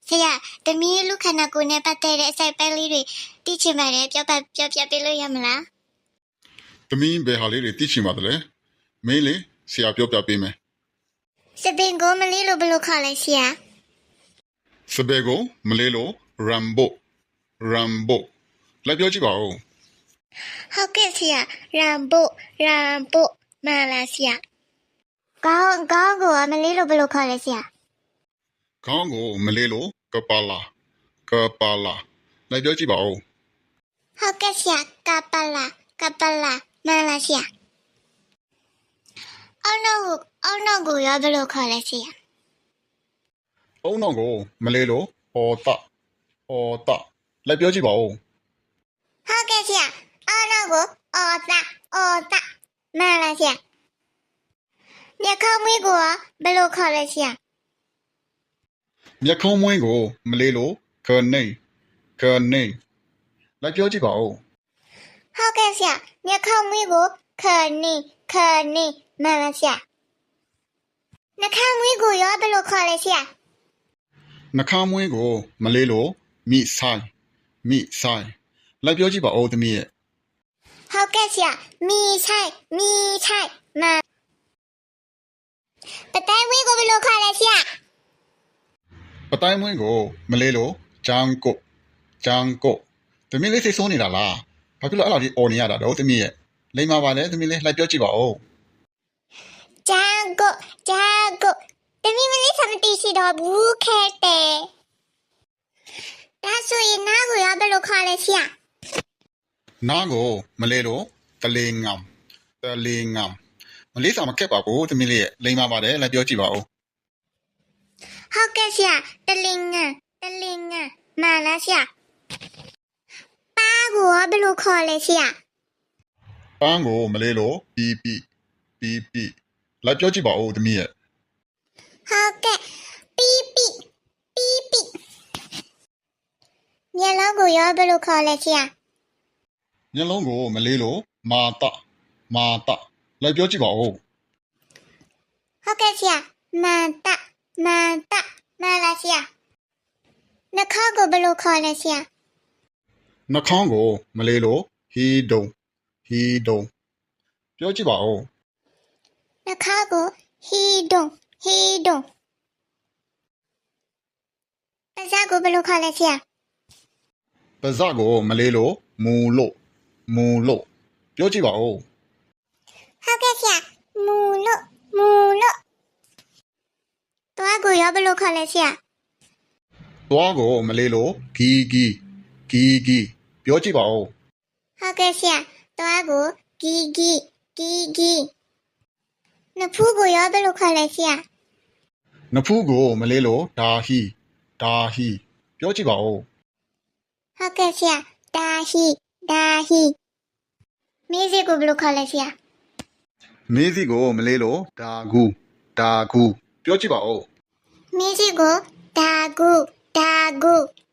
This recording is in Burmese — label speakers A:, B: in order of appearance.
A: ဆရာတမီးလူခန္ဓာကိုယ်နဲ့ပတ်သက်တဲ့အစိုက်ပန်းလေးတွေသိချင်ပါတယ်ပြောပြပေးလို့ရမလား
B: သမီးဘယ်ဟာလေးတွေသိချင်ပါသလဲမင်းလေဆရာပြောပြပေးမယ်
A: စပင်ကိုမလေးလို့ဘယ်လိုခေါ်လဲဆရာ
B: စပယ်ကိုမလေးလို့ Rambo လိုက်ပြောကြည့်ပါဦး
A: ဟုတ်ကဲ့ဆရာရမ်ဘိုမှန်လားဆရာကောင်းကိုမလေးလို့ဘယ်လိုခေါ်လဲဆရာ
B: ခေါင်းကိုမလေးလို့ကပါလာလိုက်ပြောကြည့်ပါဦး
A: ဟုတ်ကဲ့ဆရာကပလာမှန်လားဆရာအောက်နောက်ကိုရောဘယ်လိုခေါ်လဲဆရာ
B: အုံနောက်ကိုမလေးလို့အော်တလိုက်ပြောကြည့်ပါဦး
A: ဟုတ်ကဲ့ဆရာအောက်နောက်ကိုအော်တာမှန်လားဆရာမျက်ခေါင်းမွေးကိုရောဘယ်လိုခေါ်လဲဆရာ
B: မျက်ခုံးမွေးကိုမလေးလို့ခနေလိုက်ပြောကြည့်ပါဦး
A: ဟုတ်ကဲ့ဆရာမျက်ခေါင်းမွေးကိုခနေမှန်လားဆရာနှာခေါင်းမွေးကိုရောဘယ်လိုခေါ်လဲဆရာ
B: နှာခေါင်းမွေးကိုမလေးလို့မိဆိုင်လိုက်ပြောကြည့်ပါဦးသမီးရဲ့
A: ဟုတ်ကဲ့ဆရာမိဆိုင်မှန်ပတိုင်းမွေးကိုဘယ်လိုခေါ်လဲဆရာ
B: ပတိုင်းမွေးကိုမလေးလို့ဂျန်ကိုသမီးလေးစိတ်ဆိုးနေတာလားဘာဖြစ်လို့အဲ့လိုကြီးអော်နေရတာတော့သမီးရဲ့လိမ္မာပါလေသမီးလေးလိုက်ပြောကြည့်ပါဦး
A: ဂျန်ကိုတမီးမလေးသမတီရှိတော့ဘူးခဲတဲ့ဒါဆိုရင်နားကိုရောဘယ်လိုခေါ်လဲဆရာ
B: နားကိုမလေးလို့တလေငမ်မလေးစာမခက်ပါဘူးသမီးလေးရဲ့လိမ္မာပါတယ်လိုက်ပြောကြည့်ပါဦး
A: ဟုတ်ကဲ့ဆရာတလင်ငန်မှန်လားဆရာပါကိုရောဘယ်လိုခေါ်လဲဆရာ
B: ပန်းကိုမလေးလို့ပီလိုက်ပြောကြည့်ပါဦးသမီးရဲ့
A: ဟုတ်ကဲ့ပီမျက်လုံးကိုရောဘယ်လိုခေါ်လဲဆရာ
B: မျက်လုံးကိုမလေးလို့မာတလိုက်ပြောကြည့်ပါဦး
A: ဟုတ်ကဲ့ဆရာမန်တမှန်လားဆရာနှာခေါင်းကိုဘယ်လိုခေါ်လဲဆရာ
B: နှာခေါင်းကိုမလေးလို့ဟီဒုံပြောကြည့်ပါဦး
A: နှာခေါင်းကိုဟီဒုံပါးစပ်ကိုဘယ်လိုခေါ်လဲဆရာ
B: ပါးစပ်ကိုမလေးလို့မူလို့ပြောကြည့်ပါဦး
A: ဟုတ်ကဲ့ဆရာမူလို့တွားကိုရောဘယ်လိုခေါ်လဲဆရာ
B: သွားကိုမလေးလို့ဂီပြောကြည့်ပါဦး
A: ဟုတ်ကဲ့ဆရာတွားကိုဂီနှဖူးကိုရောဘယ်လိုခေါ်လဲဆရာ
B: နဖူးကိုမလေးလို့ဒါဟီပြောကြည့်ပါဦး
A: ဟုတ်ကဲ့ဆရာဒါဟီမေးစေကိုဘယ်လိုခေါ်လဲဆရာ
B: မေးစီကိုမလေးလို့ဒါဂူပြောကြည့်ပါဦး
A: မေးစေကိုဒါဂူ